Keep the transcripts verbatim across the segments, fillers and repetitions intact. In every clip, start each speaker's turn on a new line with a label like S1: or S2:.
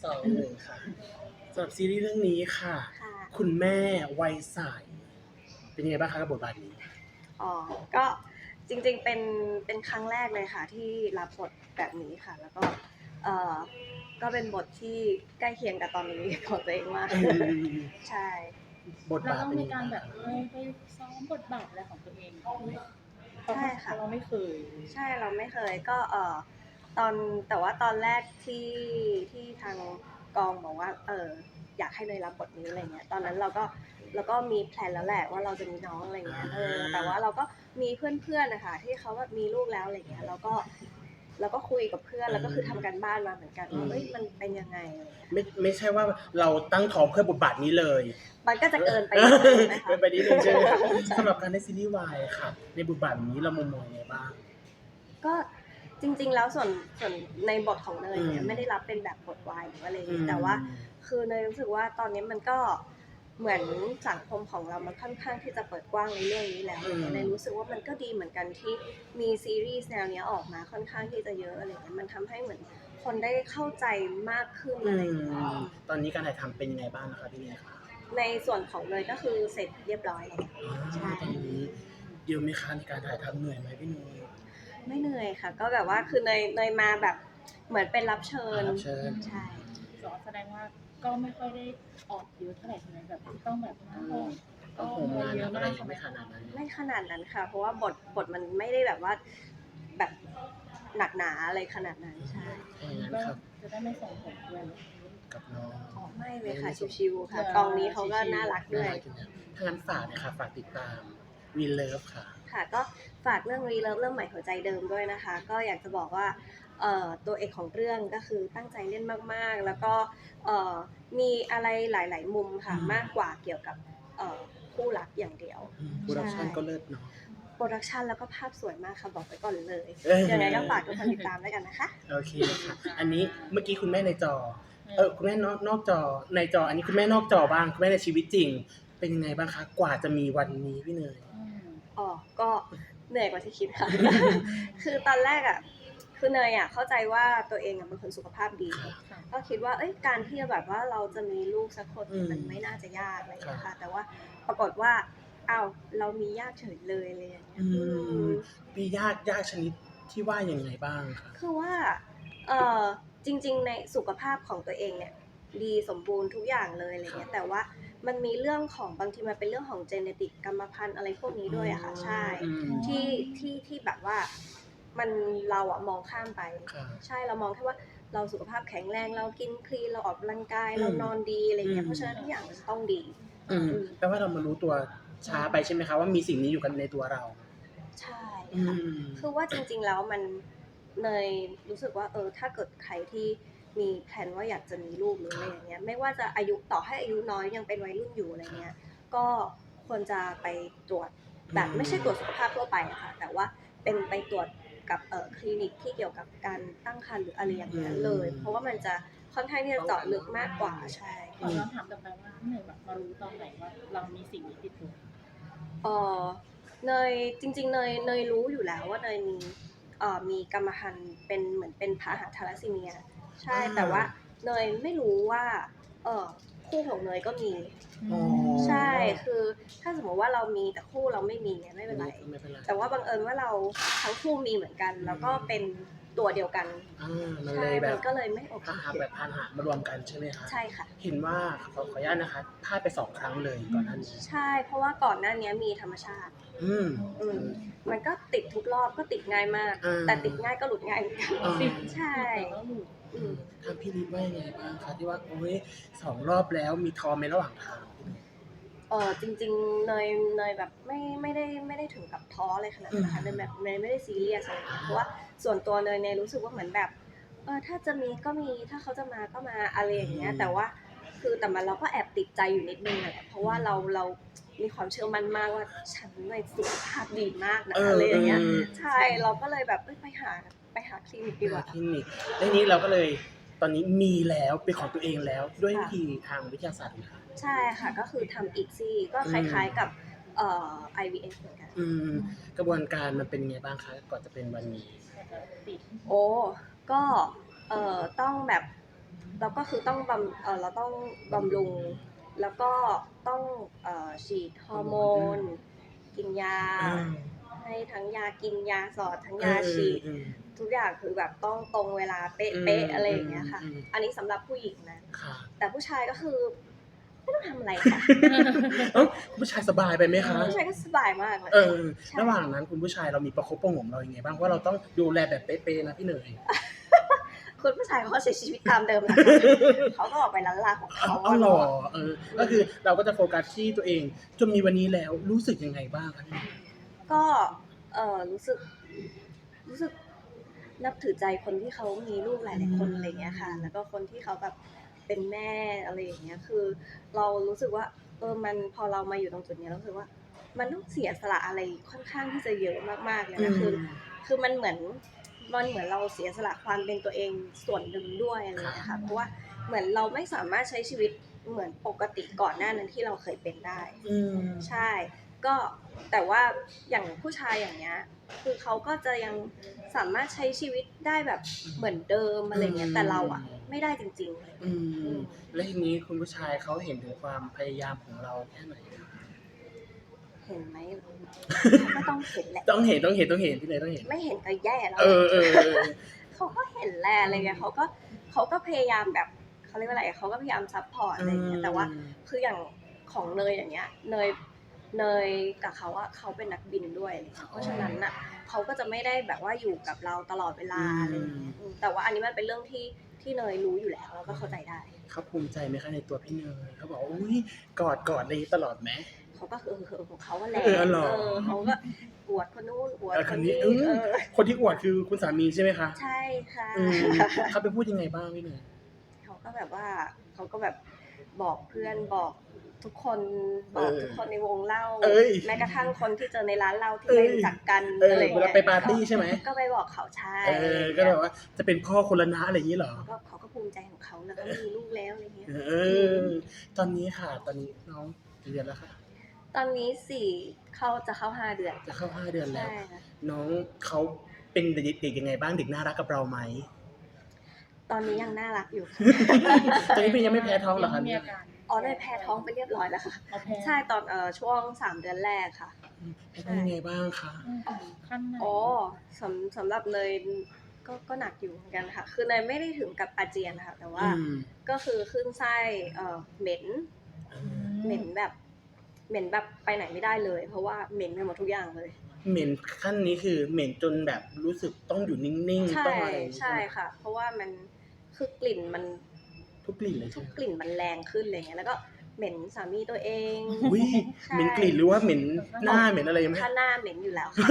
S1: สองหนึ่งค่ะสำหรับซีรีส์เรื่องนี้ค่ะ
S2: ค่ะ
S1: คุณแม่วัยใสเป็นยังไงบ้างคะกับบทบาทนี้
S2: อ๋อก็จริงๆเป็นเป็นครั้งแรกเลยค่ะที่รับบทแบบนี้ค่ะแล้วก็เอ่อก็เป็นบทที่ใกล้เคียงกับตอนนี้ของตัวเองมาก
S1: อืม
S2: ใช่
S1: บท
S3: เราต้อง
S1: บาทเป็นยังไง
S3: มีการแบบ
S1: บ้างคะ
S3: เออไปซ้อมบทบาทอะไรของตัวเองเพราะ
S2: ใช่ค่ะ
S3: เราไม่เคย
S2: ใช่เราไม่เคยก็เอ่อตอนแต่ว่าตอนแรกที่ที่ทางกองบอกว่าเอออยากให้เนยรับบทนี้อะไรเงี้ยตอนนั้นเราก็เราก็มีแพลนแล้วแหละว่าเราจะมีน้องอะไรเงี้ยเออแต่ว่าเราก็มีเพื่อนๆนะคะที่เขาแบบมีลูกแล้วอะไรเงี้ยเราก็เราก็คุยกับเพื่อนแล้วก็คือทำกันบ้านมาเหมือนกันว่าเอ้ยมันเป็นยังไงอะไรเงี้ย
S1: ไม่ไม่ใช่ว่าเราตั้งท้องเพื่อบทบาทนี้เลย
S2: มันก็จะเกินไปนิดนึงนะคะ
S1: เกินไปนิดนึงใช่ไหมคะสำหรับการได้ซีรีส์วายค่ะในบทบาทนี้เรามุมมองยังไงบ้าง
S2: ก็จริงๆแล้วส่วนส่วนในบทของเนยเนี่
S1: อื
S2: ย
S1: ม
S2: ไม่ได้รับเป็นแบบบทวายหรืออะไรอย่าง
S1: อื
S2: เงี้ย
S1: ม
S2: แต่ว่าคือเนยรู้สึกว่าตอนนี้มันก็เหมือนสังคมของเรามันค่อนข้างที่จะเปิดกว้างในเรื่องนี้แล้ว
S1: อืม
S2: เนยรู้สึกว่ามันก็ดีเหมือนกันที่มีซีรีส์แนวเนี้ยออกมาค่อนข้างที่จะเยอะอะไรเงี้ยมันทำให้เหมือนคนได้เข้าใจมากขึ้น
S1: อื
S2: อะไรอย่างเงี้ย
S1: มตอนนี้การถ่ายทำเป็นยังไงบ้างนะคะพี่เนยคะ
S2: ในส่วนของเนยก็คือเสร็จเรียบร้อยแล้ว
S1: อ๋อ
S2: ใช่
S1: ตอนนี้เดี๋ยวไหมคะในการถ่ายทำเหนื่อยไหมพี่เนย
S2: ไม่เหนื่อยค่ะ ก็แบบว่าคือเนยเนยมาแบบเหมือนเป็นรับเชิญ
S1: รับเชิญ
S2: ใช่
S3: สอนแสดงว่าก็ไม่ค่อยได้ออกเยอะเท่าไหร่ใช่ไหมแบบต้องแบบต้อง
S1: ต้องโฮมงานอะไรยังไม่ขนาดนั้น
S2: ไม่ขนาดนั้นค่ะ เพราะว่าบทบทมันไม่ได้แบบว่าแบบหนักหนาอะไรขนาดนั้นใช่
S1: ถ้าอย่างนั้น
S3: ก็
S1: ครับ
S3: จะได้ไม่ส่งผลด้วย
S1: กับน้อง
S2: อ๋อไม่เลยค่ะชิวๆค่ะกองนี้เขาก็น่ารักด้วย
S1: น่ารักอยู่นะถ้างั้นฝากนะคะฝากติดตามวีเลิฟค่ะ
S2: ค่ะก็ฝากเรื่องรีเลิฟเรื่องใหม่หัวใจเดิมด้วยนะคะ ก็อยากจะบอกว่าเอ่อตัวเอกของเรื่องก็คือตั้งใจเล่นมากๆ แล้วก็เอ่อมีอะไรหลายๆมุมค่ะ
S1: อืม
S2: มากกว่าเกี่ยวกับเอ่อคู่รักอย่างเดียว
S1: โปรดักชั่นก็เลิศเนาะ
S2: โปรดักชันแล้วก็ภาพสวยมากค่ะบอกไว้ก่อนเลย
S1: เอ้ย
S2: ยังไงก็ฝากทุกคนติดตามด้วยกันนะคะ
S1: โอเคค่ะ อันนี้เมื่อกี้คุณแม่ในจอ เออคุณแม่นอกนอกจอในจอ อันนี้คุณแม่นอกจอบ้างคุณแม่ในชีวิตจริง เป็นยังไงบ้างคะกว่าจะมีวันนี้พี่เนย
S2: อ๋อ ก็เหนื่อยกว่าที่คิดค่ะ คือตอนแรกอ่ะ คือเนยอ่ะเข้าใจว่าตัวเองอ่ะเป็นคนสุขภาพดี
S1: ค่ะ
S2: ก็คิดว่า เอ้ย การที่แบบว่าเราจะมีลูกสักคน
S1: อืม
S2: มันไม่น่าจะยากอะไรอย่างเงี้ย
S1: ค่ะ
S2: ค่ะ แต่ว่าปรากฏว่า อ้าว เรามีญาติเฉยเลยอะไรอย่างเงี้ย
S1: อื
S2: อื
S1: ม
S2: ม
S1: มีญาติญาติชนิดที่ว่ายังไงบ้างคะ
S2: คือว่า เอ่อ จริงๆ ในสุขภาพของตัวเองเนี่ยดีสมบูรณ์ทุกอย่างเลยอะไรเงี้ย แต่ว่ามันมีเรื่องของบางทีมันเป็นเรื่องของ genetic กรรมพันธุ์อะไรพวกนี้ด้วยอะค่ะ ใช่
S1: อืม
S2: ที่ที่ที่แบบว่ามันเราอะมองข้ามไป
S1: ค่ะ
S2: ใช่เรามองแค่ว่าเราสุขภาพแข็งแรงเรากินคลีนเราออกกำลังกาย
S1: อืม
S2: เรานอนดีอะไรเงี้
S1: อื
S2: ย
S1: ม
S2: เพราะฉะนั้นทุกอย่างมันจะต้องดี
S1: อืมแปลว่าเรามารู้ตัวช้าไปใช่ไหมคะว่ามีสิ่งนี้อยู่กันในตัวเรา
S2: ใช่
S1: อื
S2: ค่ะ
S1: ม
S2: คือว่าจริงๆ แล้วมันเนยรู้สึกว่าเออถ้าเกิดใครที่มีแผนว่าอยากจะมีลูกหรืออะไรอย่างเงี้ยไม่ว่าจะอายุต่อให้อายุน้อยยังเป็นวัยรุ่นอยู่อะไรเงี้ยก็ควรจะไปตรวจแบบไม่ใช่ตรวจสุขภาพทั่วไปอะค่ะแต่ว่าเป็นไปตรวจกับเอ่อคลินิกที่เกี่ยวกับการตั้งครรภ์หรืออะไรอย่างเงี้ยเลย เพราะว่ามันจะค่อนข้างที่จะเจาะลึกมากกว่าใช่
S3: ขอย้อนถามกลับไปว่าพี่เนยแบบมารู้ตอนไหนว่าเรามีสิ่งนี้ติดตัว
S2: เออเนยจริงๆเนยเนยรู้อยู่แล้วว่าเนยมีเอ่อมีกรรมพันธุ์เป็นเหมือนเป็นพาหะทาลัสซีเมียใช่
S1: อ่า
S2: แต่ว่าเนยไม่รู้ว่าเออคู่ของเนยก็มี
S1: อ๋อ
S2: ใช่คือถ้าสมมติว่าเรามีแต่คู่เราไม่มีเนี่ยไม่เป็นไร
S1: ไม่เป็นไร
S2: แต่ว่าบังเอิญว่าเราทั้งคู่มีเหมือนกัน แล้วก็เป็นตัวเดียวกัน
S1: อ่ามัน
S2: ใช่
S1: เลยแบ
S2: มั
S1: บ
S2: นก็เลยไม่โอเค
S1: พาหะแบบพาหะมารวมกันใช่ไหมคะ
S2: ใช่ค่ะ
S1: เห็นว่าขอขออนุญาตนะคะพลาดไปสองครั้งเลยก่อนหน้านี้
S2: ใช่ เพราะว่าก่อนหน้านี้มีธรรมชาติ
S1: อืม
S2: อืมมันก็ติดทุกรอบก็ติดง่ายมาก
S1: อ่า
S2: แต่ติดง่ายก็หลุดง่ายเหมือนกัน
S1: อ่า
S2: ใช่
S3: แต่ก็หลุด
S2: อืม
S1: ทางพี่นิดว่ายังไงบ้างคะที่ว่าโอ้ยสองรอบแล้วมีทอมในระหว่างทาง
S2: เออจริงๆเนยเนยแบบไม่ไม่ได้ไม่ได้ถึงกับท้อเลยขนาดนั้นนะคะเนยแบบเนยไม่ได้ซีเรียสอะไรอย่างเงี้ยเพราะว่าส่วนตัวเนยเนยรู้สึกว่าเหมือนแบบเออถ้าจะมีก็มีถ้าเขาจะมาก็มาอะไรอย่างเงี้ย แต่ว่าคือแต่มันเราก็แอบติดใจอยู่นิดนึงแหละเพราะว่าเราเรามีความเชื่อมั่นมากว่าฉันในสุขภาพดีมากนะ
S1: เออ
S2: อะไรอย่างเงี้ย
S1: เออ
S2: ใช่เราก็เลยแบบเอ้ยไปหาไปหาคลินิกดีกว่า
S1: คลินิกแล้วนี้เราก็เลยตอนนี้มีแล้วเป็นของตัวเองแล้วด้วยวิธีทางวิทยาศาสตร์นะคะ
S2: ใช่ค่ะก็คือทำอีกซี่ก็คล้ายๆกับเอ่อ ไอ วี เอฟ เหมือนกัน
S1: อืมกระบวนการมันเป็นไงบ้างคะก่อนจะเป็นวันนี้
S3: ติด
S2: โอ้ก็เอ่อต้องแบบแล้วก็คือต้องบำเออเราต้องบำรุงแล้วก็ต้องเอ่อฉีดฮอร์โมนกินยา
S1: อ่า
S2: ให้ทั้งยากินยาสอดทั้งา
S1: เอยอ
S2: ฉีด
S1: เออ
S2: ทุกอย่างคือแบบต้องตรงเวลาเป๊ะ
S1: อืม
S2: เป๊ะอะไรอย่างเงี้ยค่ะ
S1: อืม
S2: อันนี้สำหรับผู้หญิงนะ
S1: ค่ะ
S2: แต่ผู้ชายก็คือไม่ต้องทำอะไรค่ะ
S1: เอ้าผู้ชายสบายไปไหมคะ
S2: ผู้ชายก็สบายมากเลย
S1: เออ
S2: ใช่
S1: ระหว่างนั้นคุณผู้ชายเรามีประคบประหงมเรายังไงบ้างเพราะเราต้องดูแลแบบเป๊ะๆนะพี่เนย
S2: คุณผู้ชายเขาก็ใช้ชีวิตตามเดิมนะคะ เขาก็ออกไปล้านลาของ
S1: เอา
S2: เขา
S1: เอาหรอเออ ก็คือเราก็จะโฟกัสที่ตัวเองจนมีวันนี้แล้วรู้สึกยังไงบ้างคะพี่
S2: ก็เออรู้สึกรู้สึกนับถือใจคนที่เขามีลูกหลายๆคนอะไรเงี้ยค่ะ แล้วก็คนที่เขาแบบเป็นแม่อะไรอย่างเงี้ยคือ เรารู้สึกว่าเออมันพอเรามาอยู่ตรงจุดเนี้ยเรารู้สึกว่า มันต้องเสียสละอะไรค่อนข้างที่จะเยอะมากๆเลยนะคือ คือมันเหมือนมันเหมือนเราเสียสละความเป็นตัวเองส่วนหนึ่งด้วยอะไรอย่างเงี้ยค่ะเพราะว่าเหมือนเราไม่สามารถใช้ชีวิตเหมือนปกติก่อนหน้านั้นที่เราเคยเป็นได้
S1: อืม
S2: ใช่ ก็แต่ว่าอย่างผู้ชายอย่างเงี้ยคือเขาก็จะยังสามารถใช้ชีวิตได้แบบเหมือนเดิมอะไรเงี้ยแต่เราอะไม่ได้จริงๆ
S1: อืมแล้วทีนี้คุณผู้ชายเขาเห็นถึงความพยายามของเราแค่ไหนคะ
S2: เห็นไหมก็ต้องเห็นแหละ
S1: ต้องเห็นต้องเห็นต้องเห็นพี่เลยต้องเห็น
S2: ไม่เห็นก็แย่แล้ว
S1: เออเออเออ
S2: เขาก็เห็นแหละอะไรเงี้ยเขาก็เขาก็พยายามแบบเขาเรียกว่าอะไรเขาก็พยายามซัพพอร์ตอะไรเงี้ยแต่ว่าคืออย่างของเนยอย่างเงี้ยเนยเนยกับเขาอะเขาเป็นนักบินด้วยอะไรเงี้ยเพราะฉะนั้นอะเขาก็จะไม่ได้แบบว่าอยู่กับเราตลอดเวลาอะไรเงี้ยอืมแต่ว่าอันนี้มันเป็นเรื่องที่ที่เนยรู้อยู่แล้วแล้วก็เข้าใจได้
S1: เขาภูมิใจไหมคะในตัวพี่เนยเขาบอกว่าอุ้ยกอดกอดอะไรตลอดไหม
S2: เขาก็คือคือของเขาว่าแหละ
S1: เออเหรอ
S2: เออเขาก็อวดคนนู้นอวด
S1: เออ
S2: ค
S1: คน
S2: น
S1: นี้
S2: นี้
S1: อืม
S2: เออ
S1: คนที่อวดคือคุณสามีใช่ไหมคะ
S2: ใช่ค่ะ
S1: อืมเขาไปพูดยังไงบ้างพี่เนย
S2: เขาก็แบบว่าเขาก็แบบบอกเพื่อนบอกทุกคนบอกทุกคนในวงเล่า
S1: เอ้ย
S2: แม้กระทั่งคนที่เจอในร้านเหล้าที่
S1: เอ้ย
S2: ไม่รู้จักกัน
S1: เออ
S2: อะไร
S1: เวลา
S2: เงี้ย
S1: ไปปาร์ตี้ใช่ไหม
S2: ก็ไปบอกเขาใช่
S1: เออก็แบบว่าจะเป็นพ่อคนละนะอะไรอย่างนี้เหรอ
S2: ก็เขาก็ภูมิใจของเขาแล้วก็มีลูกแล้วอะไรเงี้ย
S1: เออ ตอนนี้ค่ะ ตอนนี้น้องกี่เดือนแล้วค่ะ
S2: ตอนนี้สี่เข้าจะเข้าห้าเดือน
S1: จะเข้าห้าเดือนแล้ว
S2: ใช่ค่ะ
S1: น้องเขาเป็นเด็กๆยังไงบ้างเด็กน่ารักกับเราไหม
S2: ตอนนี้ยังน่ารักอยู่
S1: ตอนนี้เป็นยังไม่แพ้ท้องเหรอคะ
S3: ยังไม่มี
S1: เนี่ย
S3: อาการ
S2: อ๋อได้แพ้ท้องไปเรียบร้อยแล้วค่ะ
S3: เอาแพ้
S2: ใช่ตอนเอ่อช่วงสามเดือนแรกค่ะ
S1: แพ้ท้องยังไงบ้างคะ
S3: อืมขั้นไหน
S2: อ๋อสำสำหรับเนยก็ก็หนักอยู่เหมือนกันค่ะ คือเนยไม่ได้ถึงกับอาเจียนนะคะแต่ว่า
S1: อืม
S2: ก็คือขึ้นไส้เอ่อเหม็น
S1: อื
S2: เหม็นแบบเหม็นแบบไปไหนไม่ได้เลย เพราะว่าเหม็นไปหมดทุกอย่างเลย
S1: เหม็นขั้นนี้คือเหม็นจนแบบรู้สึกต้องอยู่นิ่ง
S2: ใช่
S1: ๆต้องอะไรอย่างงี้
S2: ใช่
S1: ไหม
S2: ค่ะ เพราะว่ามันคือกลิ่นมัน
S1: ทุกกลิ่นเลย
S2: ทุ
S1: ใช่
S2: ก
S1: ไหม
S2: กลิ่นมันแรงขึ้นอะไรเงี้ยแล้วก็เหม็นสามีตัวเอง
S1: อุ้ย
S2: ใช่
S1: เหม็นกลิ่นหรือว่าเหม็นหน้าเหม็นอะไรไหม
S2: ถ้าหน้าเหม็นอยู่แล้วค่ะ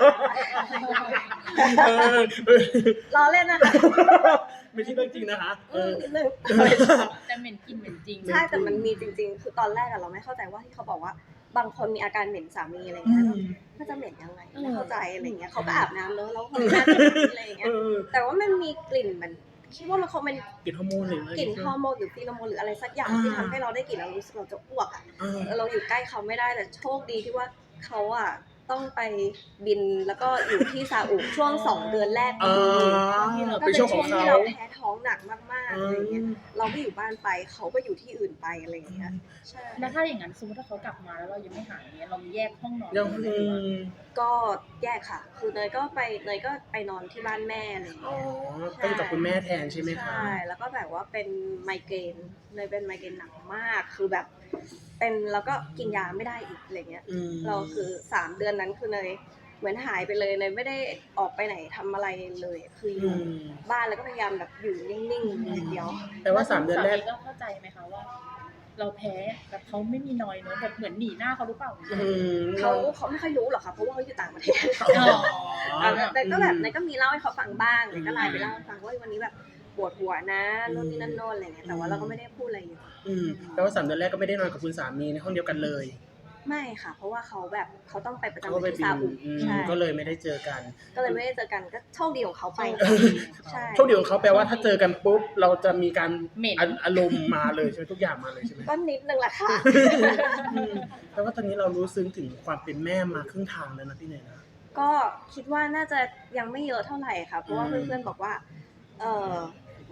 S1: เออเออ
S2: ล้อเล่นนะคะ
S1: ไม่ใช่เรื่องจริงนะคะเอ
S2: อืม
S1: อ
S2: นิดนึง
S3: แต่เหม็นกินเหม็นจริง
S2: ใช่แต่มันมีจริงๆ คือตอนแรกอะเราไม่เข้าใจว่าที่เขาบอกว่าบางคนมีอาการเหม็นสามีอะไร
S1: อื
S2: เงี้ย
S1: ม
S2: มันจะเหม็นยังไง
S3: เออ
S2: ไม่เข้าใจอะไรเงี้ยเขาก็อาบน้ำเนอะแล้วเขาหน้าจะเหม็นอะไรเงี้
S1: เอย อ
S2: แต่ว่ามันมีกลิ่นมันคิดว่ามันคงเป็น
S1: กลิ่นฮอร์โมนหรืออะไร
S2: กลิ่นฮอร์โมนหรือฟีโรโมนหรืออะไรสักอย่างที่ทำให้เราได้กลิ่นเรารู้สึกเราจะอ้วกอะ
S1: เออ
S2: เราอยู่ใกล้เขาไม่ได้แต่โชคดีที่ว่าเขาอะต้องไปบินแล้วก็อยู่ที่ซาอุช่วงสองเดือนแรกพ
S1: อ่
S2: อดี
S1: า
S2: ก็
S1: เป็น
S2: เป็น
S1: ช่วงข
S2: ช่
S1: อ
S2: ว
S1: ง
S2: ง
S1: เขา
S2: ที่เราแพ้ท้องหนักมากๆ
S1: อื
S2: อะไรเงี้ย
S1: ม
S2: เราก็อยู่บ้านไปเขาก็อยู่ที่อื่นไปอะไรอย่างเงี้ยใช่
S3: แล้วถ้าอย่างนั้นสมมติถ้าเขากลับมาแล้วเรายังไม่หายเนี้ยเรามีแยกห้องนอน
S1: ยัง
S3: ไหม
S1: อื
S3: หรือว่าม
S2: ก็แยกค่ะ คือเนยก็ไปเนยก็ไปนอนที่บ้านแม่อะไรอย่าง
S1: อ๋อ
S2: เงี้ย
S1: ก็อยู่กับคุณแม่แทนใช่ไหมคะ
S2: ใช่แล้วก็แบบว่าเป็นไมเกรนเนยเป็นไมเกรนหนักมากคือแบบเป็นแล้วก็กินยาไม่ได้อีกอะไรเงี้ย
S1: อืม
S2: เราคือสามเดือนนั้นคือเนยเหมือนหายไปเลยเนยไม่ได้ออกไปไหนทำอะไรเลยคืออ
S1: อื
S2: ยู่
S1: ม
S2: บ้านแล้วก็พยายามแบบอยู่นิ่งๆอย่างเดียว
S1: แต่ว่าสามเดือนแรก
S3: สามีก็เข้าใจไหมคะว่า เราแพ้แต่เขาไม่มีนอยเนอะแบบเหมือนหนีหน้าเขาหรือเปล่า
S1: อืม
S2: เขาเขาไม่ค่อยรู้หรอกค่ะเพราะว่าเขาอยู่ต่างประเทศ
S3: อ๋อ
S2: แต่ก็แบบนายก็มีเล่าให้เขาฟังบ้างนายก็ไลน์ไปเล่าให้ฟังว่าวันนี้แบบปวดหัวนะนู่นนี่นั่นโน่นอะไรเงี้ยแต่ว่าเราก็ไม่ได้พูดอะไรอยู่
S1: อืมแต่ว่าสามเดือนแรกก็ไม่ได้นอนกับคุณสามีในห้องเดียวกันเลย
S2: ไม่ค่ะ เพราะว่าเขาแบบเขาต้องไปประ
S1: เขา
S2: จำ
S1: ก็ไป
S2: ที่
S1: บิ
S2: ซาน อุ
S1: อืม
S2: ใช่
S1: ก็เลยไม่ได้เจอกัน
S2: ก็เลยไม่ได้เจอกันก็โชคดีของเขาไปใช่
S1: โชคดีของเขาแปลว่าถ้าเจอกันปุ๊บเราจะมีการ
S3: เหม็น
S1: อาอารมณ์มาเลยใช่ไหมทุกอย่างมาเลยใช่ไหม
S2: ก็นิดนึงแหละค่ะ
S1: อืมแปลว่าตอนนี้เรารู้ซึ้งถึงความเป็นแม่มาครึ่งทางแล้วนะพี่เนยนะ
S2: ก็คิดว่าน่าจะยังไม่เยอะเท่าไหร่ค่ะ เพราะว่า
S1: อืม
S2: เพื่อนๆบอกว่า เออ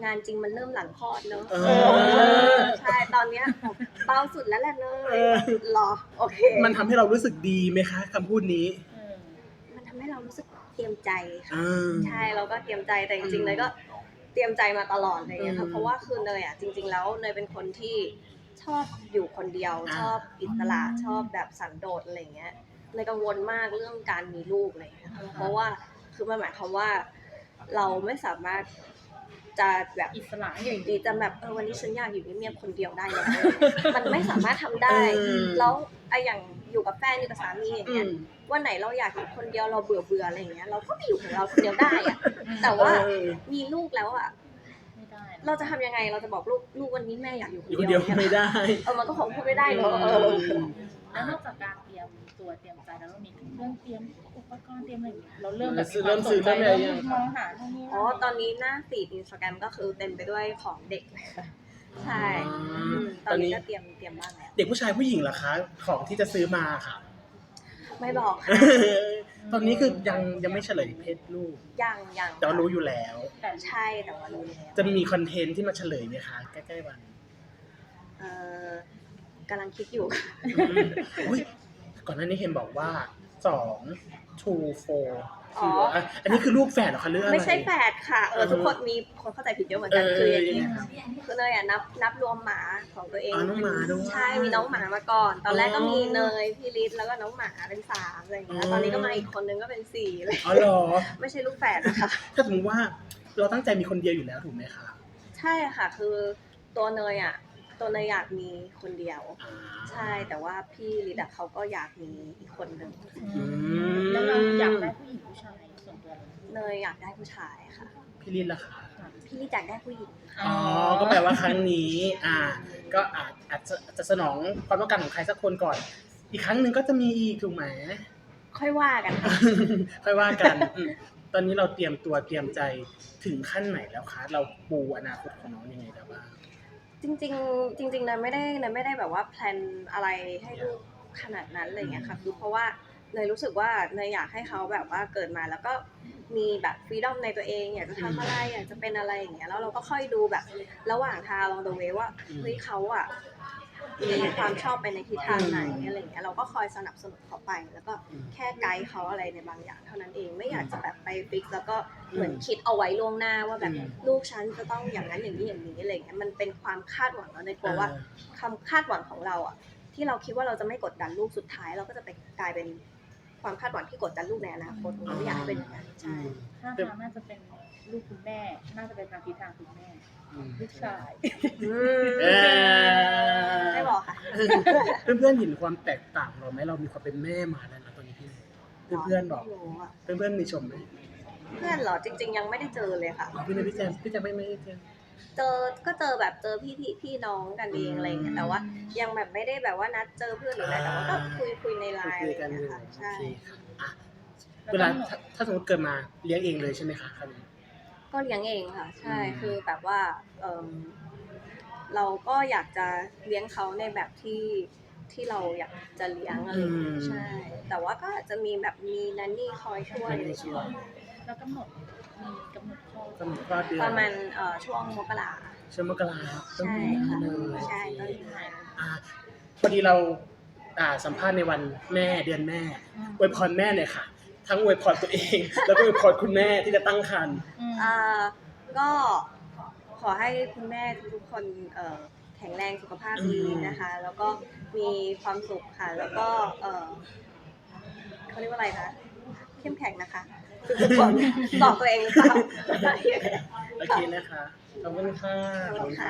S2: งานจริงมันเริ่มหลังคลอดเนอะ
S1: เออ
S2: ใช่ตอนเนี้ยเบาสุดแล้วแหละเนย
S1: เออ
S2: หรอโอเค
S1: มันทำให้เรารู้สึกดีไหมคะคำพูดนี้
S3: เออ
S2: มันทำให้เรารู้สึกเตรียมใจค่ะ
S1: อ่า
S2: ใช่เราก็เตรียมใจแต่จริงๆเนยก็เตรียมใจมาตลอดอะไรเลยค่ะ
S1: อืม
S2: เพราะว่าคือเนยอ่ะจริง ๆ แล้วเนยเป็นคนที่ชอบอยู่คนเดียว
S1: อ่า
S2: ชอบอิสระชอบแบบสันโดษอะไรเงี้ยเนยกังวลมากเรื่องการมีลูกอะไรเลยค่ะเพราะว่าคือมันหมายความว่าเราไม่สามารถจะแบบ
S3: อิสระ
S2: อยู่ดีจะแบบเออวันนี้ฉันอยากอยู่เงียบๆคนเดียวได้แล้วมันไม่สามารถทำได้
S1: เออ
S2: แล้วไออย่างอยู่กับแฟนอยู่กับสามีอย่าง
S1: อื
S2: เงี้ย
S1: ม
S2: วันไหนเราอยากอยู่คนเดียวเราเบื่อเบื่อๆอะไรอย่างเงี้ยเราก็ไม่อยู่ของเราคนเดียวได้อะแต่ว่า
S1: เออ
S2: มีลูกแล้วอ่ะ
S3: ไม่ได้น
S2: เราจะทำยังไงเราจะบอกลูกลูกวันนี้แม่อยากอยู่ค
S1: อยู่คน
S2: น
S1: เดี
S2: เดี
S1: ย
S2: ยว ว
S1: ไม่ได้
S2: เออมันก็คงพูดไม่ได้เนอะเออ
S3: แล้วนอกจากการเตรียมตัวเตรียมใจแล้วเรามีเครื่องเตรียมอุปกรณ์เตรียมอะไรอย่างเงี้ยเราเริ่มแบบ
S1: เริ่มซื้อเริ่มอะไรยัง
S3: มองหาตรงนี้
S2: อ๋อตอนนี้หน้าฟีดอินสตาแกรมก็คือเต็มไปด้วยของเด็กเลยค่ะใช่อืมตอนนี้ก็เตรียมเตรียมบ้างแล้ว
S1: เด็กผู้ชายผู้หญิงเหรอคะ ของที่จะซื้อมาค่ะ
S2: ไม่บอกค่ะ
S1: ตอนนี้คือยังยังไม่เฉลยเพศลูก
S2: ยังยัง
S1: แต่ว่ารู้อยู่แล้ว
S3: แต่
S2: ใช่แต่ว่ารู้แล้ว
S1: จะมีคอนเทนต์ที่มาเฉลยไหมคะ ใกล้ๆวัน
S2: เออกำลังคิดอยู่ค่ะ
S1: อุ๊ยก่อนหน้านี้เห็นบอกว่าสอง two four
S2: อ๋อ
S1: อ่ะอันนี้คือลูกแฝดเหรอคะเรื่องอะไร
S2: ไม่ใช่แฝดค่ะเออทุกคนมีคนเข้าใจผิดเยอะเหมือนกัน
S1: เออ
S2: คืออย่างนี้
S1: ยังไงครับ
S2: คือเนยอ่ะนับนับรวมหมาของตัวเอง
S1: อ๋อน้องหมาด้วย
S2: ใช่มีน้องหมามาก่อน ตอนแรกก็
S1: อ๋อ
S2: มีเนยพี่ลิศแล้วก็น้องหมาเป็นสามอะไรอย่างเงี้ย
S1: อ๋อ
S2: ตอนนี้ก็มาอีกคนนึงก็เป็นสี่เลย
S1: อ๋อเหรอ
S2: ไม่ใช่ลูกแฝดนะคะ
S1: ถ้าสมมติว่าเราตั้งใจมีคนเดียวอยู่แล้วถูกไหมคะ
S2: ใช่ค่ะคือตัวเนยอ่ะตัวเนยอยากมีคนเดียว
S1: อ่า
S2: ใช่แต่ว่าพี่ลิศอะเขาก็อยากมีอีกคนนึง
S3: อืมแล้วเราอยากได้ผู้หญิงผู้ชายส่วนตัวเรา
S2: เนยอยากได้ผู้ชายค่ะ
S1: พี่ลินล่ะคะ
S2: พี่ลิศอยากได้ผู้หญิงค่ะ
S1: อ๋อ ก็แปลว่าครั้งนี้ อ่า ก็อาจอาจจะอาจจะสนองความต้องการของใครสักคนก่อน อีกครั้งหนึ่งก็จะมีอีกถูกไหม
S2: ค่อยว่ากันค่ะ
S1: ค่อยว่ากันอืมตอนนี้เราเตรียมตัวเตรียมใจถึงขั้นไหนแล้วคะ เราปูอนาคตของน้องยังไงแล้วบ้าง
S2: จริงๆจริงๆเนยไม่ได้เนยไม่ได้แบบว่าแพลนอะไรให้ลูกขนาดนั้นอะไรเงี้ยค่ะคือเพราะว่าเนยรู้สึกว่าเนยอยากให้เขาแบบว่าเกิดมาแล้วก็มีแบบฟรีดอมในตัวเองอยากจะทำอะไรอยากจะเป็นอะไรอย่างเงี้ยแล้วเราก็ค่อยดูแบบระหว่างทางลองดูเวว่าเฮ้ยเขาอ่ะมีความชอบไปในทิศทางไหนอะไรเงี้ยเราก็คอยสนับสนุนเขาไป แล้วก็แค่ไกด์เขาอะไรในบางอย่างเท่านั้นเองไม่อยากจะแบบไปฟิกแล้วก็เหมือนคิดเอาไว้ล่วงหน้าว่าแบบ
S1: อืม
S2: ลูกฉันจะต้องอย่างนั้นอย่างนี้อย่างนี้อะไรเงี้ยมันเป็นความคาดหวังแล้วในกลัวว่า คำคาดหวังของเราอ่ะที่เราคิดว่าเราจะไม่กดดันลูกสุดท้าย เราก็จะไปกลายเป็นความคาดหวังที่กดดันลูกในอนาคตเราไม่อยากให้เป็นอย่างนั้นใช่
S3: ถ้าทางน่าจะเป็นลูกคุณแม่ น่าจะเป็นทางทิศทางคุณแม่
S1: อืม
S3: ลูกชาย
S1: เออ
S2: ไม่บอกค่ะ
S1: เพื่อนๆเห็นความแตกต่างเราไหมเรามีความเป็นแม่มาแล้วนะตอนนี้พี่เพื่อนๆบอก
S2: ไม่รู้อะ
S1: เพื่อนๆมีชมไหม
S2: เพื่อนเหรอจริง ๆ ยังไม่ได้เจอเลยค่ะ
S1: อ๋อพี่เนยพี่แจมพี่แจมไม่ไม่ได้เจอ
S2: เจอก็เจอแบบเจอพี่พี่พี่น้องกันเองอะไรเงี้ยแต่ว่ายังแบบไม่ได้แบบว่านัดเจอเพื่อนหรืออะไรแต่ว่าก็คุยคุยในไลน์
S1: คุ
S2: อะไร
S1: ยกันอ
S2: เงี้
S1: ยู่
S2: ยค่ะ
S1: โอ
S2: ใช่
S1: เคค่ะอ่ะเวลาถ้าถ้าสมมติเกิดมาเลี้ยงเองเลยใช่ไหมคะคราวนี้
S2: ก็เลี้ยงเองค่ะ ใช่
S1: อืม
S2: คือแบบว่าเอมเราก็อยากจะเลี้ยงเขาในแบบที่ที่เราอยากจะเลี้ยงอะไรอย่างเงี้ยใช่ แต่ว่าก็อาจจะมีแบบมีนันนี่คอยช่วยอะไรอย่างเงี้ย
S3: แล้วกำหนดมีกำหนดข้อก
S1: ำหนดคลอดเดือน
S2: ประมาณเอ่อช่วงมกรา
S1: ช่วงมกราต้น
S2: ใช่
S1: ปีหน้า
S2: ค่ะ
S1: เลย
S2: ใช่ต้นปีหน้า
S1: อ่ะพอดีเราอ่าสัมภาษณ์ในวันแม่เดือนแม่อวยพรแม่เลยค่ะ ทั้งอวยพรตัวเอง แล้วก็อวยพรคุณแม่ที่จะตั้งครรภ์
S3: อืม
S2: เอ่อก็ขอให้คุณแม่ทุกๆคนเอ่อแข็งแรงสุขภาพดีนะคะ แล้วก็มีความสุขค่ะ แล้วก็เอ่อเขาเรียกว่าอะไรนะเข้มแข็งนะคะทุกคนบอกตัวเองหรือเปล่า
S1: โอเคนะคะ ขอบคุณค่ะ
S2: ขอบคุณค่ะ